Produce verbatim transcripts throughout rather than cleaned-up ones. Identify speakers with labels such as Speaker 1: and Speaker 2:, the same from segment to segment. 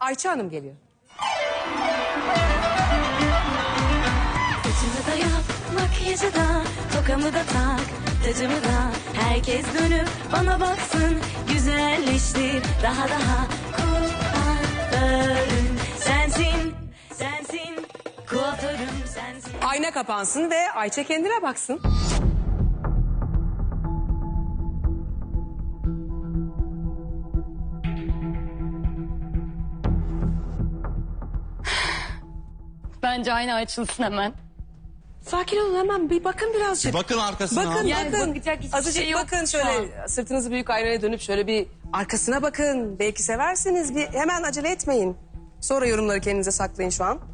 Speaker 1: Ayça Hanım geliyor.
Speaker 2: Saçımı da yap, makyajı da, tokamı da tak, tacımı da. Herkes dönüp bana baksın, güzelleştir daha daha. Kuaförüm sensin, sensin, kuaförüm sensin.
Speaker 1: Ayna kapansın ve Ayça kendine baksın.
Speaker 3: Bence ayna açılsın hemen.
Speaker 1: Sakin olun, hemen bir bakın birazcık.
Speaker 4: Bakın arkasına.
Speaker 1: Bakın
Speaker 3: Yani
Speaker 1: bakın.
Speaker 3: bakacak hiçbir
Speaker 1: Azıcık
Speaker 3: şey yok
Speaker 1: bakın
Speaker 3: şu
Speaker 1: şöyle, sırtınızı büyük aynaya dönüp şöyle bir arkasına bakın. Belki seversiniz. Bir, hemen acele etmeyin. Sonra yorumları kendinize saklayın şu an.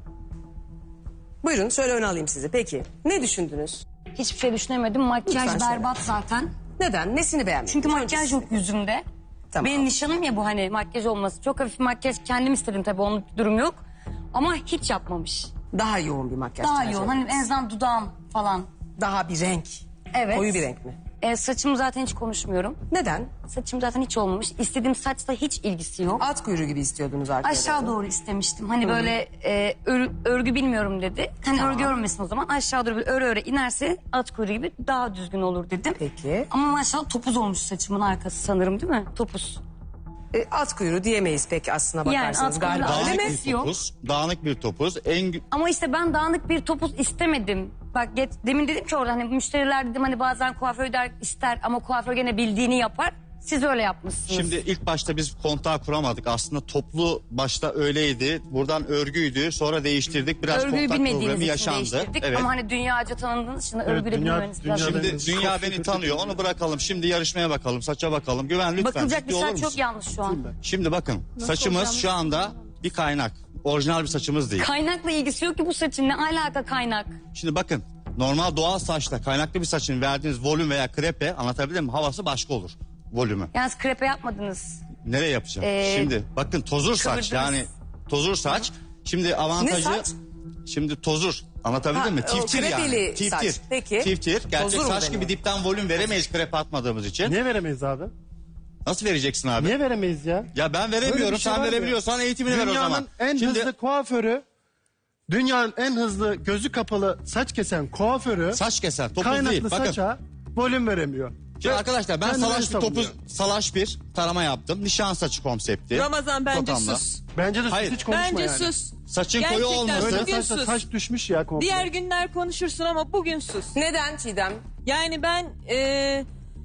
Speaker 1: Buyurun, şöyle öne alayım sizi. Peki ne düşündünüz?
Speaker 3: Hiçbir şey düşünemedim. Makyaj
Speaker 1: Lütfen söyle.
Speaker 3: berbat zaten.
Speaker 1: Neden? Nesini beğenmediniz?
Speaker 3: Çünkü
Speaker 1: Önce
Speaker 3: makyaj
Speaker 1: sizi.
Speaker 3: yok yüzümde.
Speaker 1: Tamam.
Speaker 3: Benim nişanım ya bu, hani makyaj olması. Çok hafif makyaj kendim istedim tabii, onun durum yok. Ama hiç yapmamış.
Speaker 1: Daha yoğun bir makyaj
Speaker 3: Daha
Speaker 1: tercih
Speaker 3: yoğun. Hani
Speaker 1: ediniz.
Speaker 3: en azından dudağım falan.
Speaker 1: Daha bir renk.
Speaker 3: Evet.
Speaker 1: Koyu bir renk mi?
Speaker 3: E, saçımı zaten hiç konuşmuyorum.
Speaker 1: Neden?
Speaker 3: Saçım zaten hiç olmamış. İstediğim saçla hiç ilgisi yok.
Speaker 1: At kuyruğu gibi istiyordunuz arkaya
Speaker 3: Aşağı doğru istemiştim. Hani böyle e, ör- örgü bilmiyorum dedi. Hani örgü örmesin o zaman. Aşağı doğru bir öre öre inerse at kuyruğu gibi daha düzgün olur dedim.
Speaker 1: Peki.
Speaker 3: Ama maşallah topuz olmuş saçımın arkası sanırım, değil mi? Topuz.
Speaker 1: E, at kuyruğu diyemeyiz pek aslına
Speaker 3: Yani
Speaker 1: bakarsanız
Speaker 3: at kuyruğu
Speaker 1: galiba.
Speaker 3: al-
Speaker 1: Öyle mi?
Speaker 3: Alakası
Speaker 4: bir
Speaker 3: yok.
Speaker 4: topuz. Dağınık bir topuz. En gü-
Speaker 3: Ama işte ben dağınık bir topuz istemedim. Bak get, demin dedim ki orada hani müşteriler dedim hani bazen kuaför der, ister ama kuaför gene bildiğini yapar. Siz öyle yapmışsınız.
Speaker 4: Şimdi ilk başta biz kontağı kuramadık. Aslında toplu başta öyleydi. Buradan örgüydü. Sonra değiştirdik. Biraz
Speaker 3: örgüyü
Speaker 4: kontak
Speaker 3: bilmediğiniz
Speaker 4: problemi
Speaker 3: için
Speaker 4: yaşandı.
Speaker 3: değiştirdik.
Speaker 4: Evet.
Speaker 3: Ama hani dünyaca tanındığınız için örgü de
Speaker 5: dünya-
Speaker 3: bilmemeniz biraz.
Speaker 5: dünyada-
Speaker 4: Şimdi dünya beni tanıyor. Onu bırakalım. Şimdi yarışmaya bakalım. Saça bakalım. Güven lütfen.
Speaker 3: Bakılacak
Speaker 4: ciddi
Speaker 3: bir
Speaker 4: olur
Speaker 3: saç
Speaker 4: musun?
Speaker 3: çok yanlış şu an.
Speaker 4: Şimdi bakın. Saçımız şu anda bir kaynak. Orijinal bir saçımız değil.
Speaker 3: Kaynakla ilgisi yok ki bu saçın, ne alaka kaynak?
Speaker 4: Şimdi bakın. Normal doğal saçta kaynaklı bir saçın verdiğiniz volüm veya krepe, anlatabildim mi? Havası başka olur. Volümü.
Speaker 3: Yani krepe yapmadınız.
Speaker 4: Nereye yapacağım?
Speaker 3: Ee,
Speaker 4: Şimdi bakın tozur saç,
Speaker 3: kıvırdınız.
Speaker 4: yani tozur saç. Şimdi avantajı...
Speaker 1: Ne saç?
Speaker 4: Şimdi tozur. Anlatabildim
Speaker 1: Ha,
Speaker 4: mi?
Speaker 1: o
Speaker 4: Tiftir
Speaker 1: krepeli
Speaker 4: yani. Tiftir.
Speaker 1: saç. Peki.
Speaker 4: Tiftir. Gerçek
Speaker 1: Tozur mu
Speaker 4: saç
Speaker 1: deniyor?
Speaker 4: gibi dipten volüm veremeyiz krepe atmadığımız için.
Speaker 5: Niye veremeyiz abi?
Speaker 4: Nasıl vereceksin abi?
Speaker 5: Niye veremeyiz ya?
Speaker 4: Ya ben
Speaker 5: Böyle
Speaker 4: veremiyorum.
Speaker 5: bir şey
Speaker 4: Sen
Speaker 5: var ya.
Speaker 4: verebiliyorsan eğitimini ver o zaman.
Speaker 5: Dünyanın en
Speaker 4: Şimdi
Speaker 5: hızlı kuaförü, dünyanın en hızlı gözü kapalı saç kesen kuaförü
Speaker 4: saç keser. Topuz
Speaker 5: kaynaklı
Speaker 4: değil. Bakın.
Speaker 5: saça volüm veremiyor.
Speaker 4: Şimdi arkadaşlar ben
Speaker 5: Kendini
Speaker 4: salaş bir
Speaker 5: savunuyor.
Speaker 4: topuz, salaş bir tarama yaptım. Nişan saçı konsepti.
Speaker 6: Ramazan bence
Speaker 4: Tokamla.
Speaker 6: sus.
Speaker 5: Bence de
Speaker 4: Hayır.
Speaker 5: hiç konuşma
Speaker 6: Bence
Speaker 5: yani.
Speaker 6: sus.
Speaker 4: Saçın koyu
Speaker 6: Gerçekten
Speaker 4: olması.
Speaker 5: Böyle
Speaker 6: Bugün
Speaker 5: saçta
Speaker 6: sus.
Speaker 5: saç düşmüş ya komple.
Speaker 6: Diğer günler konuşursun ama bugün sus.
Speaker 1: Neden Çiğdem?
Speaker 6: Yani ben e,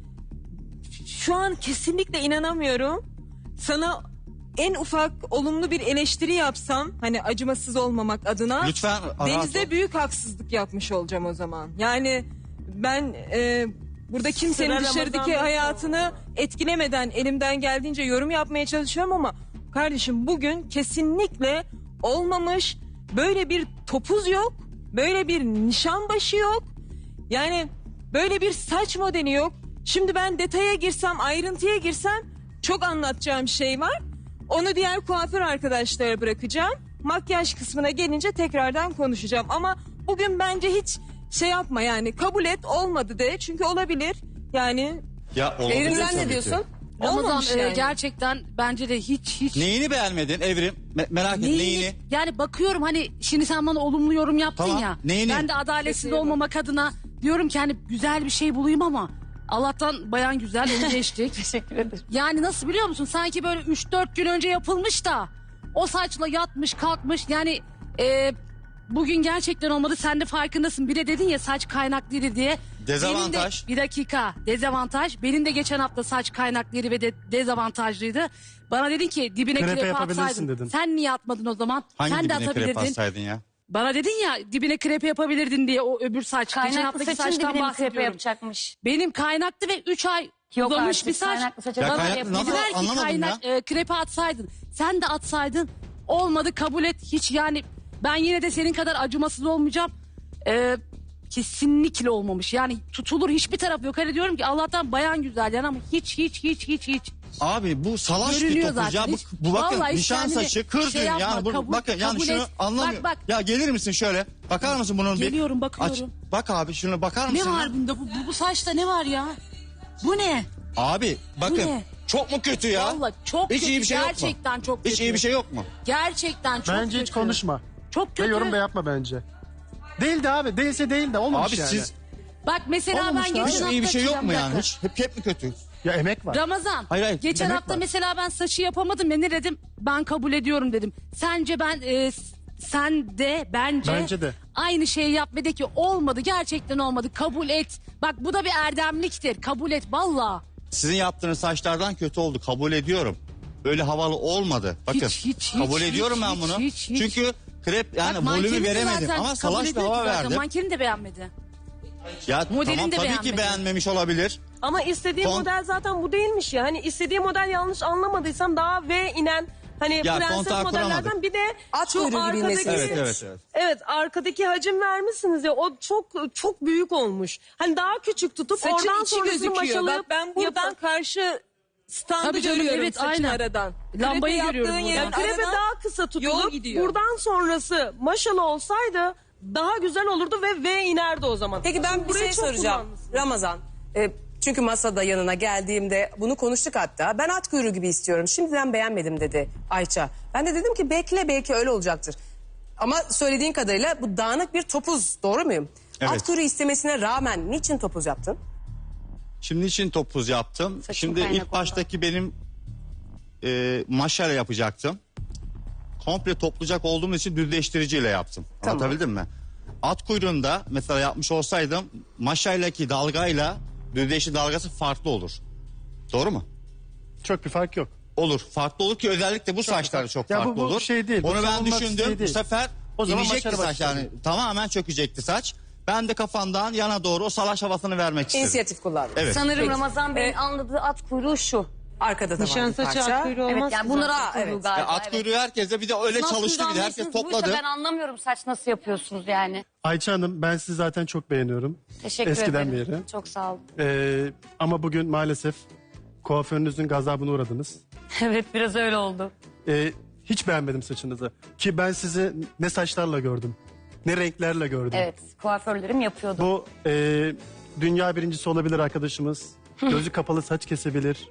Speaker 6: şu an kesinlikle inanamıyorum. Sana en ufak olumlu bir eleştiri yapsam, hani acımasız olmamak adına,
Speaker 4: Lütfen rahat ol.
Speaker 6: Deniz'e büyük haksızlık yapmış olacağım o zaman. Yani ben e, burada kimsenin
Speaker 7: Sıra
Speaker 6: dışarıdaki
Speaker 7: Ramazan'da
Speaker 6: hayatını etkilemeden elimden geldiğince yorum yapmaya çalışıyorum ama kardeşim bugün kesinlikle olmamış. Böyle bir topuz yok. Böyle bir nişan başı yok. Yani böyle bir saç modeli yok. Şimdi ben detaya girsem, ayrıntıya girsem çok anlatacağım şey var. Onu diğer kuaför arkadaşlara bırakacağım. Makyaj kısmına gelince tekrardan konuşacağım. Ama bugün bence hiç şey yapma, yani kabul et, olmadı de. Çünkü olabilir yani.
Speaker 4: Ya olabilir
Speaker 1: Evrim sen
Speaker 4: tabii
Speaker 1: ne
Speaker 4: ki.
Speaker 1: diyorsun?
Speaker 7: Ramazan
Speaker 6: Olmamış
Speaker 7: e,
Speaker 6: yani.
Speaker 7: gerçekten bence de hiç hiç
Speaker 4: Neyini beğenmedin Evrim? Me- merak et neyini?
Speaker 7: Yani bakıyorum hani şimdi sen bana olumlu yorum yaptın
Speaker 4: Tamam,
Speaker 7: ya.
Speaker 4: neyini?
Speaker 7: Ben de adaletsiz
Speaker 6: Kesinlikle.
Speaker 7: olmamak adına diyorum ki hani güzel bir şey bulayım ama Allah'tan bayan güzel, onu geçtik.
Speaker 3: Teşekkür ederim.
Speaker 7: Yani nasıl biliyor musun? Sanki böyle üç dört gün önce yapılmış da o saçla yatmış kalkmış. Yani e, bugün gerçekten olmadı, sen de farkındasın. Bir de dedin ya saç kaynaklıydı diye.
Speaker 4: Dezavantaj.
Speaker 7: Benim de, bir dakika, dezavantaj. Benim de geçen hafta saç kaynaklıydı ve de, dezavantajlıydı. Bana dedin ki dibine
Speaker 5: Krepe
Speaker 7: krepe,
Speaker 5: yapabilirsin
Speaker 7: atsaydın.
Speaker 5: dedin.
Speaker 7: Sen niye atmadın o zaman?
Speaker 4: Hangi
Speaker 7: Sen de
Speaker 4: dibine krepe
Speaker 7: atabilirdin.
Speaker 4: atsaydın ya?
Speaker 7: Bana dedin ya dibine krepe yapabilirdin diye o öbür saç. geçen
Speaker 3: Kaynaklı
Speaker 7: haftaki
Speaker 3: saçın
Speaker 7: saçtan
Speaker 3: dibine bir krepe
Speaker 7: bahsediyorum.
Speaker 3: yapacakmış.
Speaker 7: Benim kaynaktı ve üç ay
Speaker 3: Yok
Speaker 7: uzamış
Speaker 3: artık,
Speaker 7: bir saç.
Speaker 3: kaynaklı saça
Speaker 4: Ya
Speaker 3: bana
Speaker 4: kaynaklı
Speaker 3: yapılır.
Speaker 4: nasıl-
Speaker 7: Dediler ki
Speaker 4: Anlamadım
Speaker 7: kaynak
Speaker 4: ya.
Speaker 7: e, krepe atsaydın. Sen de atsaydın. Olmadı, kabul et. Hiç yani ben yine de senin kadar acımasız olmayacağım. E, kesinlikle olmamış. Yani tutulur hiçbir taraf yok. Hani diyorum ki Allah'tan bayan güzel yani ama hiç hiç hiç hiç hiç.
Speaker 4: Abi bu salaş bir
Speaker 7: Görünüyor
Speaker 4: topuz ya.
Speaker 7: zaten.
Speaker 4: Bu,
Speaker 7: Hiç-
Speaker 4: bu bakın
Speaker 7: Vallahi hiç
Speaker 4: nişan
Speaker 7: kendini
Speaker 4: saçı kır
Speaker 7: şey
Speaker 4: düğün
Speaker 7: yapma,
Speaker 4: yani. Bu,
Speaker 7: kabul-
Speaker 4: bakın yani
Speaker 7: kabul
Speaker 4: şunu
Speaker 7: et.
Speaker 4: anlamıyorum.
Speaker 7: Bak, bak.
Speaker 4: Ya gelir misin şöyle? Bakar mısın bunun bir?
Speaker 7: Geliyorum, bakıyorum.
Speaker 4: bak abi şunu bakar mısın?
Speaker 7: Ne
Speaker 4: ya?
Speaker 7: var bunda? Bu, bu, bu saçta ne var ya? Bu ne?
Speaker 4: Abi bakın
Speaker 7: ne?
Speaker 4: Çok mu kötü ya?
Speaker 7: Vallahi çok
Speaker 4: Hiç
Speaker 7: kötü.
Speaker 4: iyi bir şey yok mu?
Speaker 7: Gerçekten çok kötü.
Speaker 4: Hiç iyi bir şey yok mu?
Speaker 7: Gerçekten çok
Speaker 5: Bence
Speaker 7: kötü.
Speaker 5: hiç konuşma.
Speaker 7: Çok
Speaker 5: Ve
Speaker 7: kötü.
Speaker 5: yorum da yapma bence. Değildi abi. Değilse değil de olmamış
Speaker 4: Abi
Speaker 5: yani.
Speaker 4: siz
Speaker 7: Bak mesela
Speaker 5: Olmamış
Speaker 7: ben
Speaker 5: ya.
Speaker 7: geçen
Speaker 4: hiç
Speaker 7: hafta...
Speaker 4: iyi bir şey yok mu
Speaker 7: Bir
Speaker 4: yani?
Speaker 7: dakika.
Speaker 4: Hiç, hep, hep mi kötü?
Speaker 5: Ya emek var.
Speaker 7: Ramazan.
Speaker 4: Hayır, hayır,
Speaker 7: Geçen
Speaker 5: demek
Speaker 7: hafta
Speaker 5: var.
Speaker 7: mesela ben saçı yapamadım ya ne dedim? Ben kabul ediyorum dedim. Sence ben e, sen de bence,
Speaker 5: Bence de.
Speaker 7: aynı şeyi yap ve de ki olmadı gerçekten olmadı kabul et. Bak bu da bir erdemliktir kabul et valla.
Speaker 4: Sizin yaptığınız saçlardan kötü oldu. Kabul ediyorum. Öyle havalı olmadı. Bakın.
Speaker 7: Hiç, hiç,
Speaker 4: kabul
Speaker 7: hiç,
Speaker 4: ediyorum
Speaker 7: hiç,
Speaker 4: ben
Speaker 7: hiç,
Speaker 4: bunu.
Speaker 7: hiç, hiç.
Speaker 4: Çünkü krep yani
Speaker 7: Bak, mankenin
Speaker 4: volümü
Speaker 7: de
Speaker 4: veremedim
Speaker 7: zaten
Speaker 4: ama
Speaker 7: kabul
Speaker 4: salaş bir
Speaker 7: ediyor ki
Speaker 4: hava
Speaker 7: zaten.
Speaker 4: verdim.
Speaker 7: Mankenin de beğenmedi.
Speaker 4: Ya
Speaker 7: Modelin
Speaker 4: tamam
Speaker 7: de
Speaker 4: tabii
Speaker 7: beğenmedi.
Speaker 4: ki beğenmemiş olabilir.
Speaker 6: Ama istediği
Speaker 4: Kon-
Speaker 6: model zaten bu değilmiş ya. Hani istediği model yanlış anlamadıysam daha V inen hani
Speaker 4: Ya,
Speaker 6: prenses
Speaker 4: kontağı
Speaker 6: modellerden
Speaker 4: kuramadık.
Speaker 6: bir de
Speaker 1: At
Speaker 6: şu
Speaker 1: kuyruğu gibi
Speaker 6: arkadaki
Speaker 1: inmesi.
Speaker 4: Evet evet evet.
Speaker 6: Evet, arkadaki hacim vermişsiniz ya, o çok çok büyük olmuş. Hani daha küçük tutup
Speaker 7: Saçın
Speaker 6: oradan
Speaker 7: içi
Speaker 6: sonrasını
Speaker 7: gözüküyor.
Speaker 6: maşalayıp
Speaker 7: Bak,
Speaker 6: ben buradan
Speaker 7: yapın.
Speaker 6: karşı standı
Speaker 7: Tabii canım,
Speaker 6: görüyorum
Speaker 7: evet,
Speaker 6: saçın
Speaker 7: aynen.
Speaker 6: aradan.
Speaker 7: Lambayı
Speaker 6: Krepe
Speaker 7: görüyorum
Speaker 6: yaptığın
Speaker 7: buradan.
Speaker 6: yerin krepe
Speaker 1: Aradan
Speaker 6: daha kısa
Speaker 1: yol
Speaker 6: tutulup
Speaker 1: gidiyor.
Speaker 6: buradan sonrası maşalı olsaydı daha güzel olurdu ve V inerdi o zaman.
Speaker 1: Peki ben bir
Speaker 6: Burayı
Speaker 1: şey
Speaker 6: çok
Speaker 1: soracağım.
Speaker 6: kullanmışsın.
Speaker 1: Ramazan. e, çünkü masada yanına geldiğimde bunu konuştuk hatta. Ben at kuyruğu gibi istiyorum. Şimdiden beğenmedim dedi Ayça. Ben de dedim ki bekle belki öyle olacaktır. Ama söylediğin kadarıyla bu dağınık bir topuz, doğru muyum?
Speaker 4: Evet.
Speaker 1: At kuyruğu istemesine rağmen niçin topuz yaptın?
Speaker 4: Şimdi için topuz yaptım.
Speaker 3: Saçım
Speaker 4: Şimdi
Speaker 3: kaynak
Speaker 4: ilk
Speaker 3: oldu.
Speaker 4: baştaki benim e, maşayla yapacaktım. Komple toplayacak olduğum için düzleştiriciyle yaptım.
Speaker 1: Tamam.
Speaker 4: Anlatabildim mi? At kuyruğunda mesela yapmış olsaydım maşaylaki dalgayla düzleştirici dalgası farklı olur. Doğru mu?
Speaker 5: Çok bir fark yok.
Speaker 4: Olur. Farklı olur ki özellikle bu saçlar çok
Speaker 5: Ya bu-
Speaker 4: farklı
Speaker 5: bu
Speaker 4: olur.
Speaker 5: şey değil, bu
Speaker 4: Onu ben
Speaker 5: savunmak
Speaker 4: düşündüm.
Speaker 5: şey
Speaker 4: Bu
Speaker 5: değil.
Speaker 4: sefer
Speaker 5: O zaman
Speaker 4: inecekti
Speaker 5: başarı
Speaker 4: saç yani.
Speaker 5: başladı.
Speaker 4: Tamamen çökecekti saç. Ben de kafamdan yana doğru o salaş havasını vermek istedim.
Speaker 1: İnisiyatif kullandın.
Speaker 4: Evet.
Speaker 3: Sanırım
Speaker 1: Peki.
Speaker 3: Ramazan Bey'in
Speaker 1: E,
Speaker 3: anladığı at kuyruğu şu.
Speaker 1: Arkada da
Speaker 6: Nişan
Speaker 1: var bir
Speaker 6: saçı
Speaker 1: parça.
Speaker 6: at kuyruğu
Speaker 3: Evet
Speaker 6: olmaz
Speaker 3: yani
Speaker 6: ki
Speaker 3: bunlar
Speaker 6: zaten.
Speaker 3: at kuyruğu
Speaker 1: evet.
Speaker 3: galiba.
Speaker 4: Ya at
Speaker 3: evet.
Speaker 4: kuyruğu herkese bir de öyle
Speaker 3: Nasıl
Speaker 4: çalıştı bir de herkes
Speaker 3: anlıyorsunuz bu işi?
Speaker 4: topladı.
Speaker 3: Ben anlamıyorum saç nasıl yapıyorsunuz yani.
Speaker 5: Ayça Hanım ben sizi zaten çok beğeniyorum.
Speaker 3: Teşekkür
Speaker 5: Eskiden
Speaker 3: ederim.
Speaker 5: beri.
Speaker 3: Çok sağ olun.
Speaker 5: Ee, ama bugün maalesef kuaförünüzün gazabına uğradınız.
Speaker 3: Evet biraz öyle oldu.
Speaker 5: Ee, hiç beğenmedim saçınızı. Ki ben sizi ne saçlarla gördüm. Ne renklerle gördüm.
Speaker 3: Evet kuaförlerim yapıyordu.
Speaker 5: Bu e, dünya birincisi olabilir arkadaşımız. Gözü kapalı saç kesebilir.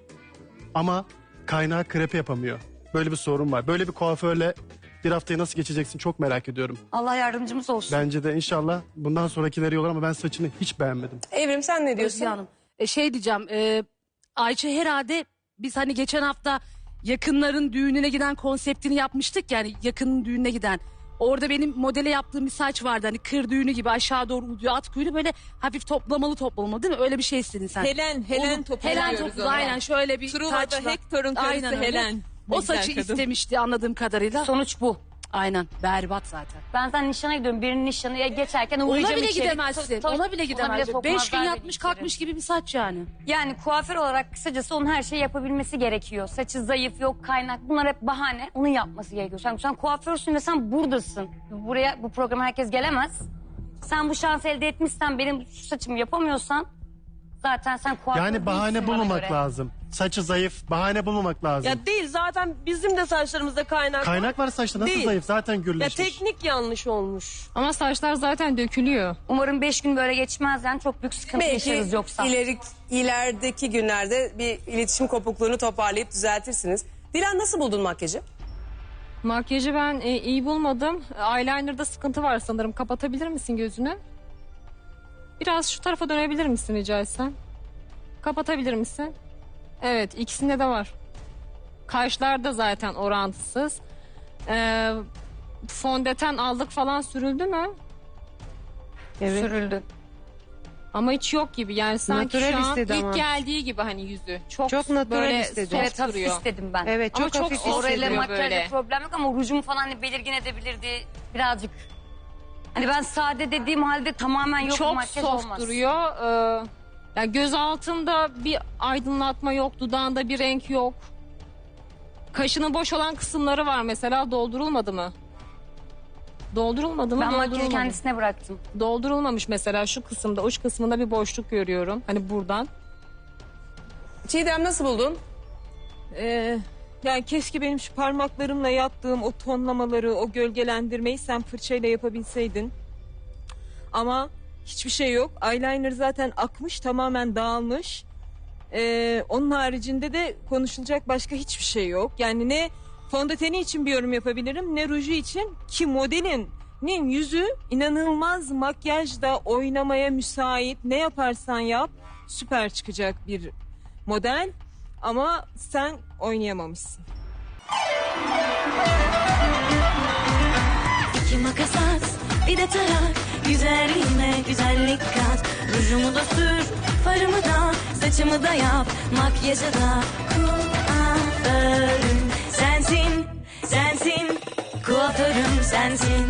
Speaker 5: Ama kaynağı krepe yapamıyor. Böyle bir sorun var. Böyle bir kuaförle bir haftayı nasıl geçeceksin çok merak ediyorum.
Speaker 3: Allah yardımcımız olsun.
Speaker 5: Bence de inşallah bundan sonrakileri iyi olur ama ben saçını hiç beğenmedim.
Speaker 1: Evrim sen ne diyorsun?
Speaker 7: Özge Hanım. E, şey diyeceğim. E, Ayça herhalde biz hani geçen hafta yakınların düğününe giden konseptini yapmıştık yani yakının düğününe giden. Orada benim modele yaptığım bir saç vardı hani kır düğünü gibi aşağı doğru uzuyor at kuyruğu böyle hafif toplamalı toplamalı değil mi? Öyle bir şey istedin sen.
Speaker 6: Helen, Helen
Speaker 7: Onu-
Speaker 6: topu
Speaker 7: Helen
Speaker 6: diyoruz
Speaker 7: topu
Speaker 6: ona.
Speaker 7: aynen şöyle bir
Speaker 6: Truva'da
Speaker 7: saçla.
Speaker 6: Hector'un karısı
Speaker 7: Aynen öyle.
Speaker 6: Helen. Ne
Speaker 7: O
Speaker 6: güzel
Speaker 7: saçı
Speaker 6: kadın.
Speaker 7: istemişti anladığım kadarıyla.
Speaker 3: Sonuç bu.
Speaker 7: Aynen berbat zaten.
Speaker 3: Ben zaten nişana gidiyorum. Birinin nişanı ya geçerken uğrayacağım
Speaker 7: Ona bile
Speaker 3: içeri.
Speaker 7: gidemezsin.
Speaker 3: Tabii,
Speaker 7: Ona bile gidemezsin.
Speaker 3: sokmazlar
Speaker 7: Beş gün
Speaker 3: beni
Speaker 7: yatmış
Speaker 3: içeri.
Speaker 7: kalkmış gibi bir saç yani.
Speaker 3: Yani kuaför olarak kısacası onun her şeyi yapabilmesi gerekiyor. Saçı zayıf, yok kaynak. Bunlar hep bahane. Onun yapması gerekiyor. Sen, sen kuaförsün ve sen buradasın. Buraya, bu programa herkes gelemez. Sen bu şansı elde etmişsen, benim şu saçımı yapamıyorsan zaten sen kuaför
Speaker 5: Yani bahane
Speaker 3: değilsin bana
Speaker 5: bulmamak
Speaker 3: göre.
Speaker 5: lazım. Saçı zayıf, bahane bulmamak lazım.
Speaker 6: Ya değil, zaten bizim de saçlarımızda kaynak,
Speaker 5: Kaynak var saçta nasıl
Speaker 6: Değil.
Speaker 5: zayıf zaten
Speaker 6: Ya
Speaker 5: gürleşmiş.
Speaker 6: teknik yanlış olmuş.
Speaker 8: Ama saçlar zaten dökülüyor.
Speaker 3: Umarım beş gün böyle geçmez yani çok büyük sıkıntı
Speaker 1: Belki
Speaker 3: yaşarız yoksa.
Speaker 1: ileri, ilerideki günlerde bir iletişim kopukluğunu toparlayıp düzeltirsiniz. Dilan nasıl buldun makyajı?
Speaker 8: Makyajı ben e, iyi bulmadım. Eyeliner'da sıkıntı var sanırım. Kapatabilir misin gözünü? Biraz şu tarafa dönebilir misin rica etsem? Kapatabilir misin? Evet, ikisinde de var. Kaşlar da zaten orantısız. Ee, fondöten aldık falan sürüldü mü?
Speaker 3: Sürüldü.
Speaker 8: Ama hiç yok gibi. Yani sanki
Speaker 9: Natürel
Speaker 8: şu an
Speaker 9: istedi
Speaker 8: ilk
Speaker 9: ama.
Speaker 8: geldiği gibi hani yüzü. Çok,
Speaker 9: Çok natürel
Speaker 8: böyle
Speaker 9: istedi.
Speaker 8: soft
Speaker 3: Evet hafif
Speaker 8: duruyor.
Speaker 3: istedim ben.
Speaker 9: Evet
Speaker 8: Ama
Speaker 9: çok,
Speaker 8: çok
Speaker 9: hafif
Speaker 8: soft
Speaker 3: Orayla
Speaker 9: hissediyor.
Speaker 8: duruyor.
Speaker 3: makyajda
Speaker 8: böyle.
Speaker 3: problem yok ama rujumu falan hani belirgin edebilirdi birazcık. Hani ben sade dediğim halde tamamen yok
Speaker 8: Çok
Speaker 3: makyaj
Speaker 8: soft
Speaker 3: olmaz.
Speaker 8: duruyor. Ee, yani göz altında bir aydınlatma yok, dudağında bir renk yok. Kaşının boş olan kısımları var mesela, doldurulmadı mı? Doldurulmadı mı?
Speaker 3: Ben makyajı
Speaker 8: Doldurulmadı.
Speaker 3: kendisine bıraktım.
Speaker 8: Doldurulmamış mesela şu kısımda, uç kısmında bir boşluk görüyorum. Hani buradan.
Speaker 1: Çiğdem nasıl buldun?
Speaker 6: Ee, yani keşke benim şu parmaklarımla yaptığım o tonlamaları, o gölgelendirmeyi sen fırçayla yapabilseydin. Ama hiçbir şey yok. Eyeliner zaten akmış, tamamen dağılmış. Ee, onun haricinde de konuşulacak başka hiçbir şey yok. Yani ne fondöteni için bir yorum yapabilirim ne ruju için, ki modelinin yüzü inanılmaz makyajda oynamaya müsait. Ne yaparsan yap süper çıkacak bir model ama sen oynayamamışsın.
Speaker 2: İki makas at, bir de tarak. Güzelliğime güzellik kat. Rujumu da sür, farımı da, saçımı da yap. Makyajı da kuaförüm sensin, sensin. Kuaförüm sensin.